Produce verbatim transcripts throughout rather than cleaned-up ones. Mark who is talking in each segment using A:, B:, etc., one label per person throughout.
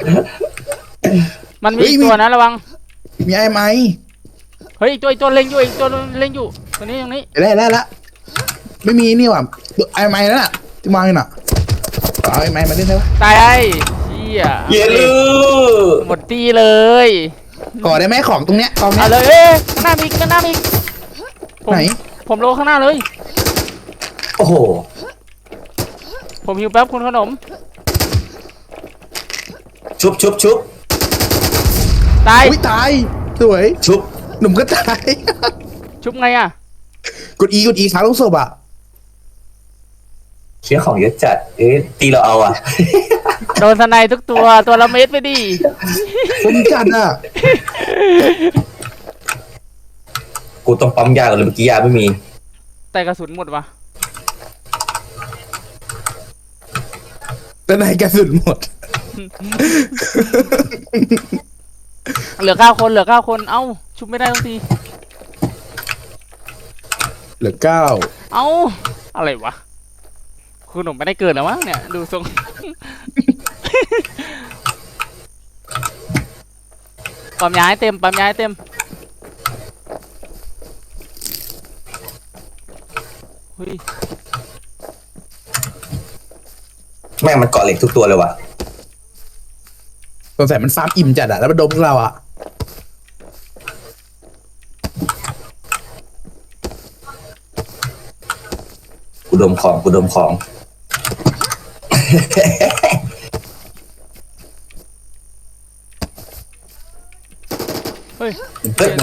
A: มันมีตัวนะระวัง
B: มีไอ้ไหม
A: เฮ้ยอีกตัวอีกตัวเล็งอยู่อีกตัวเล็งอยู่ตัวนี้ตรงนี้
B: ได้แล้วละไม่มีนี่ว่ะไอ้ไหมนั่นน่ะที่วางอยู่น่ะเอาไอ้ไหมมาเล่นได้ปะ
A: ตายไอ้เหี้ย
C: เยลู
A: หมดตีเลย
B: ก่อได้ไหมของตรงเนี้ยกองเนี้
A: ยเลยเอ๊ะข้างหน้ามีข้างหน้ามี
B: ไหน
A: ผมโลข้างหน้าเลย
C: โอ้โห
A: ผมหิวแป๊บคุณขนม
C: ชุบชุบชุบ
A: ตาย
B: อุ้ยตายสวย
C: ชุบ
B: หนุ่มก็ตาย
A: ชุบไงอ่ะ
B: กดอีกดอีค้างลูกศพอ่ะ
C: เชี่ยของเยอะจัดเอ๊ะตีเราเอาอ่ะ
A: โดนสไนทุกตัวตัวละเม็ดไปดิ
B: ผมจัดอ่ะ
C: กูต้องปั๊มยาก่อนเลยเมื่อกี้ยาไม่มี
A: แต่กระสุนหมดวะ
B: แต่ไหนกระสุนหมด
A: เหลือเก้าคนเหลือเก้าคนเอ้าชุบไม่ได้ทั้งที
B: เหลือเก้า
A: เอ้าอะไรวะคุณหนุ่มไม่ได้เกิดแล้วมั้งเนี่ยดูทรงปั๊มยาให้เต็มปั๊มยาให้เต็มเฮ้ย
C: แม่งมันเกาะเหล็กทุกตัวเลยว่ะ
B: สงสัยมันฟาร์มอิ่มจัดอะแล้วมันโดนพวกเราอะ
C: กูดมของกูดมของ
A: เฮ้ย
C: เฮ้ย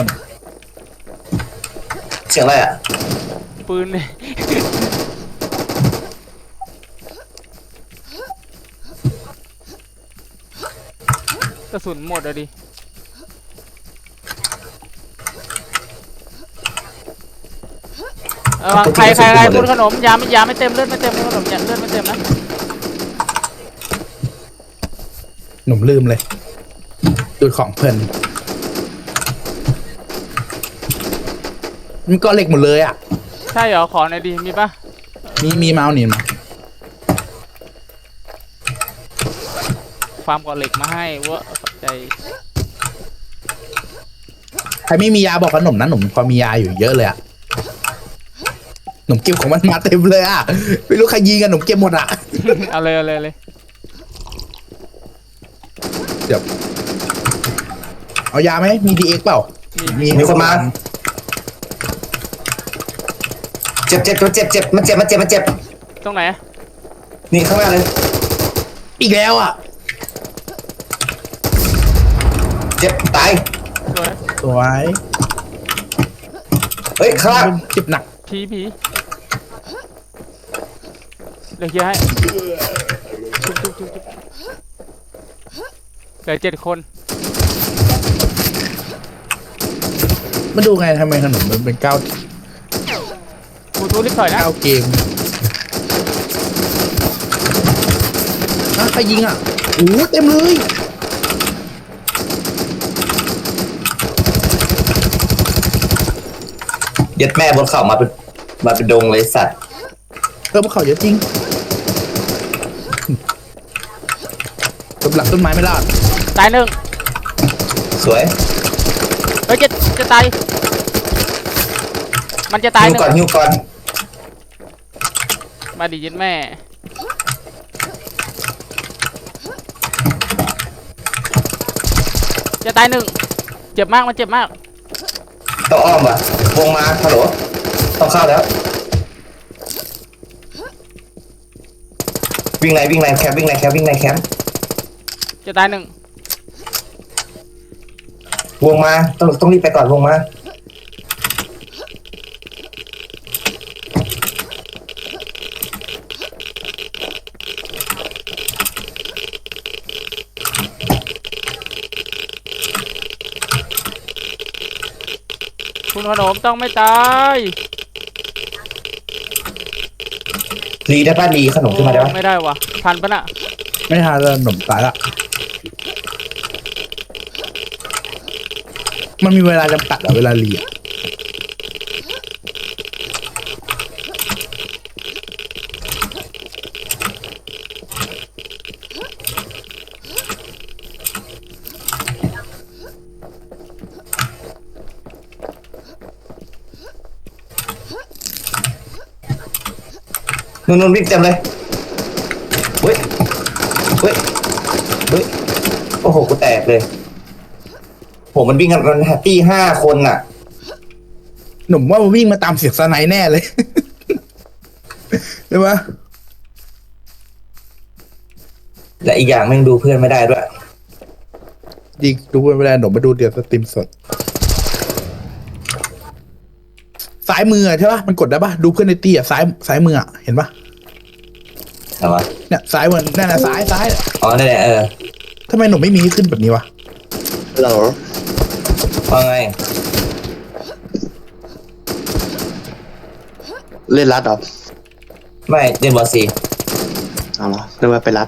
C: เสียงอะไรอ่ะ
A: ปืนเลยกระสุนหมดอะดิเออใครใครใครคุณขนมยาไม่ยาไม่เต็มเลือดไม่เต็มคุณขนมยาเลือดไม่เต็มนะ
B: หนุ่มลืมเลยดูของเพลินมันก็เหล็กหมดเลยอ่ะ
A: ใช่เหรอขอหน่อยดิมีปะ
B: มีมีเมาส์นี่มา
A: ฟาร์มก่อเหล็กมาให้เวะขอบใจ
B: ใครไม่มียาบอกขนมนะหนุ่มพอมียาอยู่เยอะเลยอ่ะหนุ่มเก็บของมันมาเต็มเลยอ่ะไม่รู้ใครยิงกันหนุ่มเก็บหมดอ่ะ
A: เอาเลยเอาเลยเลย
B: เดี๋ยวเอายาไหมมีดีเอ็กเปล่า
C: มีมีคนมาเจ็บเจ็บเจ็บเจ็บมันเจ็บมันเจ็บมันเจ็บ
A: ตรงไหน
C: นี่ข้างหน้าเลย
B: อีกแล้วอ่ะ
C: เจ็บตาย
B: สวย
C: เฮ้ยข้างล่าง
B: เจ็บหนัก
A: ผีผีเดี๋ยวเคลียร์ให้ชุบชุบชุบชุบเหลือเจ็ดคน
B: มาดูไงทำไมขนมมันเป็นเก้า
A: กูทูรีบถอยนะ
B: เก้าเกมอ่ะใครยิงอ่ะโอ้เต็มเลย
C: ยัดแม่บนเขามาเป็นมาเป็นดงเลยสัตว์
B: เออพวกเขาเยอะจริงต้นหลังต้นไม้ไม่รอด
A: ตายหนึ่ง
C: สวย
A: เฮ้ยจะจะตายมันจะตายหนึ่ง
C: ก่อนหิวก่อน
A: มาดิยินแม่จะตายหนึ่งเจ็บมากมันเจ็บมาก
C: ต้องอ้อมว่ะวงมาฮัลโหลต้องเข้าแล้ววิ่งไหนวิ่งไหนแคมวิ่งไหนแคมวิ่งไหนแคม
A: จะตายหนึ่ง
C: วงมาต้องต้องรีบไปก่อนวงมา
A: คุณขนมต้องไม่ตาย
C: รีได้ป่ะรีขนมขึ้นมาได้ป่ะ
A: ไม่ได้วะทันปะน่ะ
B: ไม่ทันแล้วขนมตายละมันมีเวลาจำกัดอะเวลารีอะ
C: นู่นนู่นวิ่งเต็มเลยเฮ้ยเฮ้ยเฮ้ยโอ้โหกูแตกเลยโหมันวิ่งกันมันแฮปปี้ห้าคนน่ะ
B: หนุ่มว่ามันวิ่งมาตามเสียงสไนแน่เลย ใช่ไหม
C: และอีกอย่างแม่งดูเพื่อนไม่ได้ด้วย
B: จริงดูเวลาหนุ่มมาดูเดือดสตรีมสดซ้ายมือใช่ปะมันกดได้ปะดูเพื่อนในตีอ่ะซ้ายซ้ายมืออ่ะเห็นปะ
C: ใช่ปะ
B: เนี่ยซ้ายมันนั่นน่ะซ้ายซ้าย
C: อ๋อนั่นแหละเออ
B: ทำไมหนุ่มไม่มีขึ้นแบบนี้วะ
D: เหรอ
C: ว่าไง
D: เล่นรัดเหรอ
C: ไม่เล่นบอลซี
D: เอาเหรอนึกว่าไปรัด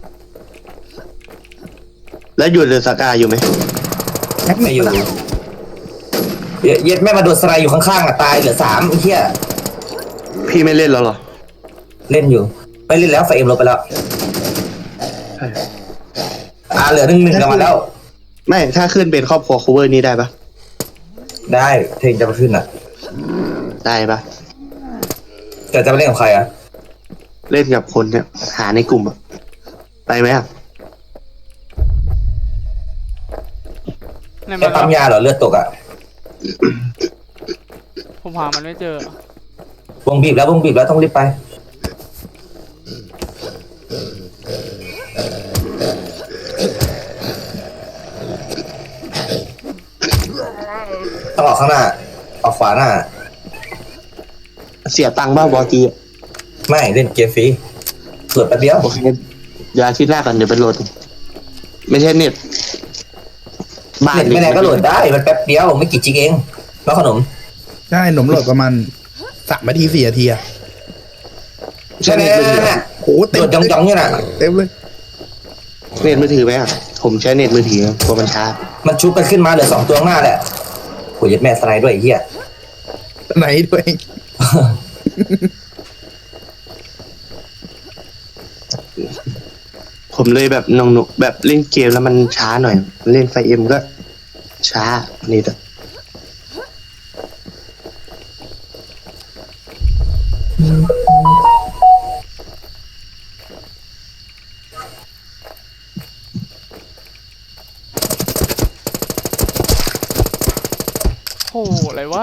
D: แล้วอยู่เรือสกาอยู่ไหม
B: แม็ก
C: ไม่
B: ไม่
C: อ
B: อยู่ ยู่
C: เย็ดเย็ดแม่มาโดนสไลด์อยู่ข้างๆอ่ะตายเหลือสามไอ้เหี้ย
D: พี่ไม่เล่นแล้วเหรอ
C: เล่นอยู่ไม่เล่นแล้วไฟเอ็มลบไปแล้ว
D: ใช่
C: อ่าเหลือหนึ่งหนึ่งกันมาแล้ว
D: ไม่ถ้าขึ้นเป็นครอบครัว cover นี้ได้ปะ
C: ได้เพลงจะมาขึ้นอ่ะ
D: ได้ปะ
C: แต่จะไปเล่นกับใครอ่ะ
D: เล่นกับคนเนี่ยหาในกลุ่มอะไปไหมอะ
A: เนี่ย
C: แค่
A: มัน
C: ปั๊มยาเหรอเลือดตกอ่ะ
A: ผมหามันไม่เจอ
C: วงบีบแล้ววงบีบแล้วต้องรีบไปต้องออกข้างหน้าออกขวาหน้า
D: เสียตังค์บ้างบอจีอะ
C: ไม่เล่นเกมฟรีโหลดแป๊บเดียว
D: โอเคเดี๋ยวอาทิตย์หน้ากันเดี๋ยวไปโหลด ไม่ใช่เน็ตบ้าน
C: เน็ตไม่แรงก็โหลดได้มันแป๊บเดียวไม่กี่จิกเองแล้วขนม
B: ใช่หนุ่มโหลดประมาณสามนาทีสี่นาทีอะ
D: ใช่
C: ใช่ไหม
D: เน็ตมือถือ
C: น่ะ
B: โอ้โห
C: โหล
B: เต็ม
C: ดจ้องๆอยู่น่ะ
B: เต็มเลย
D: เน็ตมือถือไหมอะผมใช้เน็ตมือถือกลัวมันช้า
C: มันชุบกันขึ้นมาเหลือสองตัวข้างหน้าแหละโหยัดแม่สไลด์ด้วยไอ้เหี้ย
B: ไหนด้วย
D: ผมเลยแบบนงนุแบบเล่นเกมแล้วมันช้าหน่อย เล่นไฟเอ็มก็ช้านี่แต่
A: โหอะไรวะ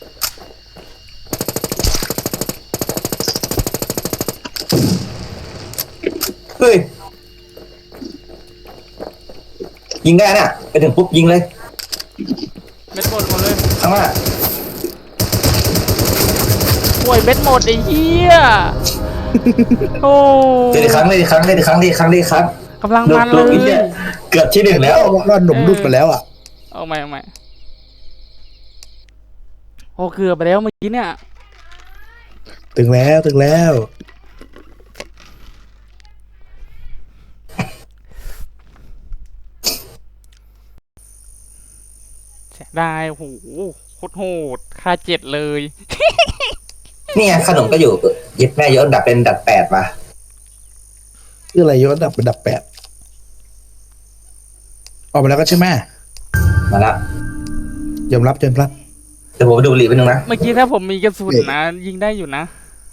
C: เฮ้ยยิงได้น่ะไปถึงปุ๊บยิงเลย
A: เบ็ดหมดหมดเลย
C: ข้างหน้า
A: ป่วยเบ็ดหมดไอ้เหี้ย โอ้
C: เล่นอีกครั้งเล่นอีกครั้งเล่นอีกครั้งเล่นอีกครั้งเล่นอีกครั้ง
A: กำลัง
C: ลู
A: มั
C: ก
A: น
C: ลูก
A: เล
C: อีกเนี่ย
A: ย
C: เกือบที่หนึ่งแล้ว
B: บอกว่าหนุ่มดุดไปแล้วอ่ะ
A: เอาใหม่เอาใหม่โอ้เกือบไปแล้วเมื่อกี้เนี่ย
B: ถึงแล้วถึงแล้ว
A: เสียดายโอ้โหโคตรโหดค่าเจ็ดเลย
C: นี่ไงขนมก็อยู่เย็ดแม่ยศดับเป็นดับแปดว่ะ
B: คืออะไรยศดับเป็นดับแปดออกมาแล้วก็ใช่ไหม
C: มาละ
B: ยอมรับยอมรับ
C: เดี๋ยวผมไปดูบุหรี่ไปหนึ่งนะ
A: เมื่อกี้ถ้าผมมีกระสุนนะ ยิงได้อยู่นะ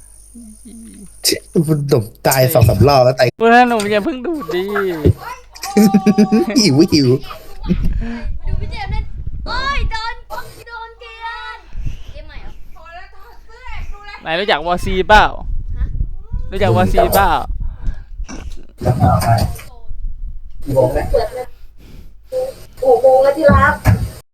B: หนุ่มตายสองสามรอบแล้วตาย
A: เพื่อนหนุ่มอย่าเพิ่งดูดดิ
B: หิวหิว
E: ดูพี่เจมส์เล่นโอ้ยโดนโดนเกลียนเกมใหม่เหรอพอแล้วถอดเสื้อดูแล
A: ไหนรู้จักวอซีเปล่ารู้จักวอซีเปล่า
E: โอ้โหแล้วที่รัก